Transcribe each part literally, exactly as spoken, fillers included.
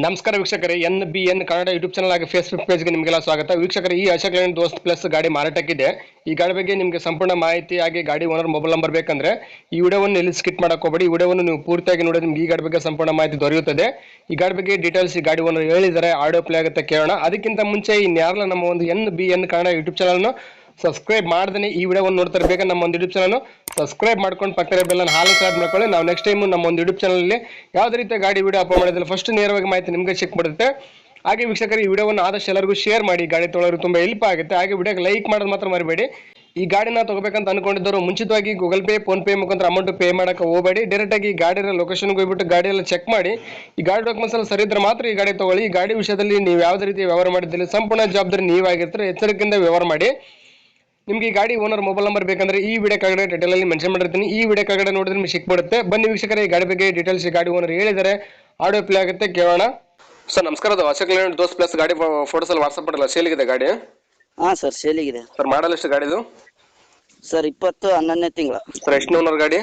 ನಮಸ್ಕಾರ ವೀಕ್ಷಕರೇ, N B N Kannada YouTube channel ಆಗಿ ಫೇಸ್ಬುಕ್ ಪೇಜ್ಗೆ ನಿಮಗೆಲ್ಲ ಸ್ವಾಗತ. ವೀಕ್ಷಕರೇ, ಈ ಅಶೋಕ್ ಲೇಲ್ಯಾಂಡ್ ದೋಸ್ತ್ ಪ್ಲಸ್ ಗಾಡಿ ಮಾರಾಟಕ್ಕಿದೆ. ಈ ಗಾಡಿ ಬಗ್ಗೆ ನಿಮಗೆ ಸಂಪೂರ್ಣ ಮಾಹಿತಿ ಹಾಗೆ ಗಾಡಿ ಓನರ್ ಮೊಬೈಲ್ ನಂಬರ್ ಬೇಕಂದ್ರೆ ಈ ವಿಡಿಯೋವನ್ನು ಎಲ್ಲಿ ಸ್ಕಿಪ್ ಮಾಡಕ್ಕೆ ಹೋಗಬೇಡಿ. ಈ ವಿಡಿಯೋವನ್ನು ನೀವು ಪೂರ್ತಿಯಾಗಿ ನೋಡಿದ್ರೆ ನಿಮ್ಗೆ ಈ ಗಾಡಿ ಬಗ್ಗೆ ಸಂಪೂರ್ಣ ಮಾಹಿತಿ ದೊರೆಯುತ್ತದೆ. ಈ ಗಾಡಿ ಬಗ್ಗೆ ಡೀಟೇಲ್ಸ್ ಈ ಗಾಡಿ ಓನರ್ ಹೇಳಿದರೆ ಆಡಿಯೋ ಪ್ಲೇ ಆಗುತ್ತೆ, ಕೇಳೋಣ. ಅದಕ್ಕಿಂತ ಮುಂಚೆ ಇನ್ಯಾರಲ್ಲ ನಮ್ಮ ಒಂದು N B N Kannada YouTube ಚಾನಲ್ನ ಸಬ್ಸ್ಕ್ರೈಬ್ ಮಾಡ್ದೇ ಈ ವಿಡಿಯೋವನ್ನು ನೋಡ್ತಾರೆ ಬೇಕಾದ್ರೆ ನಮ್ಮ ಒಂದು ಯೂಟ್ಯೂಬ್ ಚಾನಲ್ ಸಬ್ಸ್ಕ್ರೈಬ್ ಮಾಡ್ಕೊಂಡು ಪಕ್ಕದ ಬೆಲ್ಲನ್ನು ಹಾಲು ಸ್ಟಾರ್ಟ್ ಮಾಡ್ಕೊಳ್ಳಿ. ನಾವು ನೆಕ್ಸ್ಟ್ ಟೈಮ್ ನಮ್ಮ ಒಂದು ಯೂಟ್ಯೂಬ್ ಚಾನಲಲ್ಲಿ ಯಾವುದೇ ರೀತಿಯ ಗಾಡಿ ವಿಡಿಯೋ ಅಪ್ಲೋಡ್ ಮಾಡಿದ್ರೆ ಫಸ್ಟ್ ನೇರವಾಗಿ ಮಾಹಿತಿ ನಿಮಗೆ ಚೆಕ್ ಮಾಡುತ್ತೆ. ಹಾಗೆ ವೀಕ್ಷಕರು, ಈ ವಿಡಿಯೋವನ್ನು ಆದಷ್ಟು ಎಲ್ಲರಿಗೂ ಶೇರ್ ಮಾಡಿ, ಗಾಡಿ ತೊಗೊಳ್ಳೋರು ತುಂಬ ಹೆಲ್ಪ್ ಆಗುತ್ತೆ. ಹಾಗೆ ವಿಡಿಯೋಗೆ ಲೈಕ್ ಮಾಡೋದು ಮಾತ್ರ ಮರಿಬೇಡಿ. ಈ ಗಾಡಿನ ತಗೋಬೇಕಂತ ಅನ್ಕೊಂಡಿದ್ದವರು ಮುಂಚಿತವಾಗಿ ಗೂಗಲ್ ಪೇ ಫೋನ್ ಪೇ ಮುಖಾಂತರ ಅಮೌಂಟ್ ಪೇ ಮಾಡೋಕೆ ಹೋಗಬೇಡಿ. ಡೈರೆಕ್ಟಾಗಿ ಈ ಗಾಡಿಯ ಲೊಕೇಶನ್ಗೆ ಹೋಗ್ಬಿಟ್ಟು ಗಾಡಿ ಎಲ್ಲ ಚೆಕ್ ಮಾಡಿ ಈ ಗಾಡಿ ಡಾಕ್ಯುಮೆಂಟ್ಸ್ ಎಲ್ಲ ಸರಿ ಇದ್ರೆ ಮಾತ್ರ ಈ ಗಾಡಿ ತಗೊಳ್ಳಿ. ಈ ಗಾಡಿ ವಿಷಯದಲ್ಲಿ ನೀವು ಯಾವುದೇ ರೀತಿ ವ್ಯವಹಾರ ಮಾಡಿದ್ದಲ್ಲಿ ಸಂಪೂರ್ಣ ಜವಾಬ್ದಾರಿ ನೀವಾಗಿರ್ತಾರೆ. ಎಚ್ಚರಿಕೆಯಿಂದ ವ್ಯವಹಾರ ಮಾಡಿ. ನಿಮಗೆ ಈ ಗಾಡಿ ಓನರ್ ಮೊಬೈಲ್ ನಂಬರ್ ಬೇಕಂದ್ರೆ ಈ ವಿಡಿಯೋ ಕೆಳಗಡೆ ಟೈಟಲಲ್ಲಿ ಮೆನ್ಷನ್ ಮಾಡಿರ್ತೀನಿ. ಈ ವಿಡಿಯೋ ಕೆಳಗಡೆ ನೋಡಿದ್ರೆ ನಿಮಗೆ ಸಿಕ್ಬಿಡುತ್ತೆ. ಬನ್ನಿ ವೀಕ್ಷಕರೇ, ಈ ಗಾಡಿ ಬಗ್ಗೆ ಡೀಟೇಲ್ಸ್ ಈ ಗಾಡಿ ಓನರ್ ಹೇಳಿದರೆ ಆಡಿಯೋ ಪ್ಲೇ ಆಗುತ್ತೆ, ಕೇಳೋಣ. ಸರ್ ನಮಸ್ಕಾರ, ಅದು ಅಶೋಕ್ ಲೇಲ್ಯಾಂಡ್ ದೋಸ್ತ್ ಪ್ಲಸ್ ಗಾಡಿ ಫೋಟೋಸ್ ಅಲ್ಲಿ ವಾಟ್ಸ್ಆಪ್ ಮಾಡಲ್ಲ, ಸೇಲಿಗಿದೆ ಗಾಡಿ? ಹಾ ಸರ್, ಸೇಲಿಗಿದೆ ಸರ್. ಮಾಡಲ್ ಎಷ್ಟು ಗಾಡಿದು? ಸರ್ ಇಪ್ಪತ್ತು ಹನ್ನೊಂದನೇ ತಿಂಗಳ. ಸರ್ ಎಷ್ಟು ಓನರ್ ಗಾಡಿ?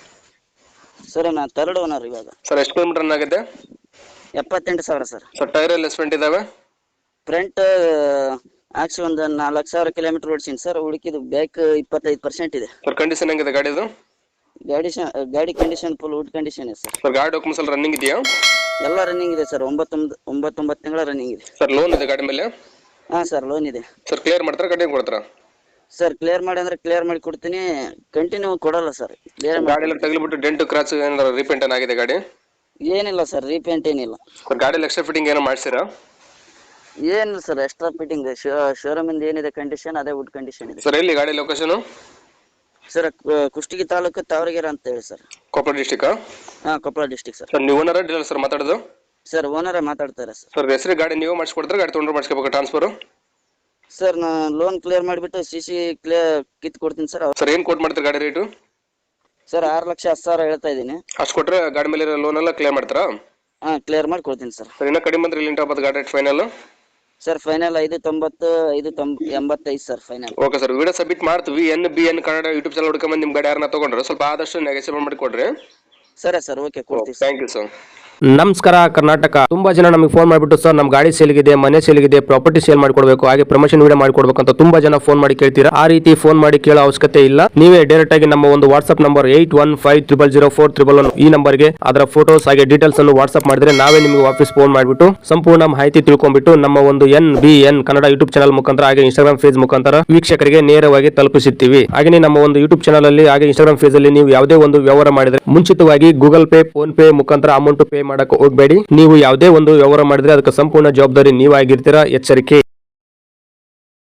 ಸರ್ ನಾ ಥರ್ಡ್ ಓನರ್ ಇವಾಗ. ಸರ್ ಎಷ್ಟು ಕಿಲೋಮೀಟರ್ ರನ್ ಆಗಿದೆ? ಎಪ್ಪತ್ತೆಂಟು ಸಾವಿರ ಸರ್. ಸರ್ ಟೈರ್ ಎಲ್ಲ ಎಸ್ಪೆಂಟ್ ಇದಾವೆ? ಫ್ರಂಟ್ ಹಾಕ್ಸಿ ಒಂದು ನಾಲ್ಕು ಸಾವಿರ ಕಿಲೋಮೀಟರ್ ಓಡಿಸಿನಿ ಸರ್. ಹುಡುಕಿದ್ದು ಬ್ಯಾಕ್ ಇಪ್ಪತ್ತೈದು ಪರ್ಸೆಂಟ್ ಇದೆ. ಸರ್ ಕಂಡೀಷನ್ ಹೆಂಗಿದೆ ಗಾಡಿದು? ಗಾಡಿ ಗಾಡಿ ಕಂಡೀಷನ್ ಫುಲ್ ವುಡ್ ಕಂಡೀಷನ್ ಇದೆ ಸರ್. ಸರ್ ಗಾಡಿ ಡಾಕ್ಯುಮೆಂಟ್ಸ್ ಎಲ್ಲ ರನ್ನಿಂಗ್ ಇದೆಯಾ? ಎಲ್ಲ ರನ್ನಿಂಗ್ ಇದೆ ಸರ್. ಒಂಬತ್ತೊಂಬತ್ತು ಒಂಬತ್ತೊಂಬತ್ತು ತಿಂಗಳ ರನ್ನಿಂಗ್ ಇದೆ ಸರ್. ಲೋನ್ ಇದೆ ಗಾಡಿ ಮೇಲೆ? ಹಾ ಸರ್, ಲೋನ್ ಇದೆ ಸರ್. ಕ್ಲಿಯರ್ ಮಾಡ್ತಾರೆ, ಕಂಟಿನ್ಯೂ ಕೊಡ್ತಾರಾ? ಸರ್ ಕ್ಲಿಯರ್ ಮಾಡಿ ಅಂದ್ರೆ ಕ್ಲಿಯರ್ ಮಾಡಿ ಕೊಡ್ತೀನಿ, ಕಂಟಿನ್ಯೂ ಕೊಡಲ್ಲ ಸರ್. ಕ್ಲಿಯರ್ ಗಾಡಿ ಎಲ್ಲ ತಗಲಿಬಿಟ್ಟು ಡೆಂಟ್ ಕ್ರಾಚ್ ಏನಾದ್ರು ರೀಪೇಂಟ್ ಏನಾಗಿದೆ ಗಾಡಿ? ಏನಿಲ್ಲ ಸರ್, ರೀಪೇಂಟ್ ಏನಿಲ್ಲ ಸರ್. ಗಾಡಿ ಎಕ್ಸ್ಟ್ರಾ ಫಿಟ್ಟಿಂಗ್ ಏನೋ ಮಾಡ್ಸಿರಾ? ಏನಿಲ್ಲ ಸರ್, ಎಕ್ಸ್ಟ್ರಾ ಫಿಟ್ಟಿಂಗ್ ಶೋರೂಮ್ ಇಂದ ಏನಿದೆ ಕಂಡೀಷನ್ ಅದೇ ವುಡ್ ಕಂಡೀಷನ್ ಇದೆ ಸರ್. ಎಲ್ಲಿ ಗಾಡಿ ಲೊಕೇಶನ್? ಸರ್ ಕುಷ್ಟಗಿ ತಾಲೂಕು ತಾವರಗೆರೆ ಅಂತ ಹೇಳಿ ಸರ್. ಕೊಪ್ಪಳ ಡಿಸ್ಟಿಕ್? ಹಾ, ಕೊಪ್ಪಳ ಡಿಸ್ಟಿಕ್ ಸರ್. ಸರ್ ನೀವು ಓನರ್ ಡೀಲರ್ ಸರ್ ಮಾತಾಡೋದು? ಸರ್ ಓನರ್ ಮಾತಾಡ್ತಾರೆ ಸರ್. ಸರ್ ಹೆಸರು ಗಾಡಿ ನೀವು ಮಾಡಿಸ್ಕೊಡ್ತಾರೆ, ಗಾಡಿ ತೊಗೊಂಡ್ರೆ ಮಾಡಿಸ್ಕೋಬೇಕು ಟ್ರಾನ್ಸ್ಫರ್? ಸರ್ ನಾ ಲೋನ್ ಕ್ಲಿಯರ್ ಮಾಡಿಬಿಟ್ಟು ಸಿ ಸಿ ಕ್ಲಿಯರ್ ಕಿತ್ ಕೊಡ್ತೀನಿ ಸರ್. ಸರ್ ಏನು ಕೋಟ್ ಮಾಡ್ತಾರೆ ಗಾಡಿ ರೇಟು? ಸರ್ ಆರು ಲಕ್ಷ ಹತ್ತು ಸಾವಿರ ಹೇಳ್ತಾ ಇದ್ದೀನಿ. ಅಷ್ಟು ಕೊಟ್ಟರೆ ಗಾಡಿ ಮೇಲೆ ಲೋನ್ ಎಲ್ಲ ಕ್ಲಿಯರ್ ಮಾಡ್ತಾರಾ? ಹಾ, ಕ್ಲಿಯರ್ ಮಾಡಿ ಕೊಡ್ತೀನಿ ಸರ್. ಸರ್ ಇನ್ನೂ ಕಡಿಮೆ ಬಂದ್ರೆ ಇಲ್ಲಿ ಟಾಪ್ ಗಾಡಿ ರೇಟ್ ಫೈನಲ್? ಸರ್ ಫೈನಲ್ ಐದು ತೊಂಬತ್ತು ಐದು ತೊಂಬ ಎಂಬತ್ತೈದು sir final. Okay sir, video submit ಮಾಡ್ತೀವಿ. N B N Kannada YouTube channel ಹುಡ್ಕೊಂಬಂದು ನಿಮ್ಮ ಗಾಡಿ ಯಾರನ್ನ ತೊಗೊಂಡ್ರೆ ಸ್ವಲ್ಪ ಆದಷ್ಟು ನೆಗೆಸಿಬಲ್ ಮಾಡಿ ಕೊಡ್ರಿ. ಸರಿ ಸರ್, ಓಕೆ ಕೊಡ್ತೀವಿ. Thank you sir. ನಮಸ್ಕಾರ ಕರ್ನಾಟಕ. ತುಂಬಾ ಜನ ನಮಗೆ ಫೋನ್ ಮಾಡಿಬಿಟ್ಟು ಸರ್ ನಮ್ಮ ಗಾಡಿ ಸೇಲ್ಗಿದೆ, ಮನೆ ಸೇಲ್ಗಿದೆ, ಪ್ರಾಪರ್ಟಿ ಸೇಲ್ ಮಾಡಿಕೊಡ್ಬೇಕು, ಹಾಗೆ ಪ್ರಮೋಷನ್ ವಿಡಿಯೋ ಮಾಡಿಕೊಡ್ಬೇಕು ಅಂತ ತುಂಬಾ ಜನ ಫೋನ್ ಮಾಡಿ ಕೇಳ್ತೀರಾ. ಆ ರೀತಿ ಫೋನ್ ಮಾಡಿ ಕೇಳೋ ಅವಶ್ಯಕತೆ ಇಲ್ಲ. ನೀವೇ ಡೈರೆಕ್ಟ್ ಆಗಿ ನಮ್ಮ ಒಂದು WhatsApp number eight one five triple zero four triple one ಈ ನಂಬರ್ಗೆ ಅದರ ಫೋಟೋಸ್ ಹಾಗೆ ಡೀಟೇಲ್ಸ್ ಅನ್ನು ವಾಟ್ಸ್ಆಪ್ ಮಾಡಿದ್ರೆ ನಾವೇ ನಿಮಗೆ ವಾಪಸ್ ಫೋನ್ ಮಾಡಿಬಿಟ್ಟು ಸಂಪೂರ್ಣ ಮಾಹಿತಿ ತಿಳ್ಕೊಂಡ್ಬಿಟ್ಟು ನಮ್ಮ ಒಂದು N B N Kannada YouTube channel ಮುಖಾಂತರ ಹಾಗೆ ಇನ್ಸ್ಟಾಗ್ರಾಮ್ ಪೇಜ್ ಮುಖಾಂತರ ವೀಕ್ಷಕರಿಗೆ ನೇರವಾಗಿ ತಲುಪಿಸುತ್ತೀವಿ. ಹಾಗೆ ನಮ್ಮ ಒಂದು ಯೂಟ್ಯೂಬ್ ಚಾನಲ್ ಅಲ್ಲಿ ಹಾಗೆ ಇನ್ಸ್ಟಾಗ್ರಾಮ್ ಪೇಜ್ ಅಲ್ಲಿ ನೀವು ಯಾವುದೇ ಒಂದು ವ್ಯವಹಾರ ಮಾಡಿದ್ರೆ ಮುಂಚಿತವಾಗಿ ಗೂಗಲ್ ಪೇ ಫೋನ್ ಪೇ ಮುಖಾಂತರ ಅಮೌಂಟ್ ಪೇ ಮಾಡಕ್ಕೆ ಹೋಗಬೇಡಿ. ನೀವು ಯಾವುದೇ ಒಂದು ವ್ಯವಹಾರ ಮಾಡಿದ್ರೆ ಅದಕ್ಕೆ ಸಂಪೂರ್ಣ ಜವಾಬ್ದಾರಿ ನೀವಾಗಿರ್ತೀರಾ. ಎಚ್ಚರಿಕೆ.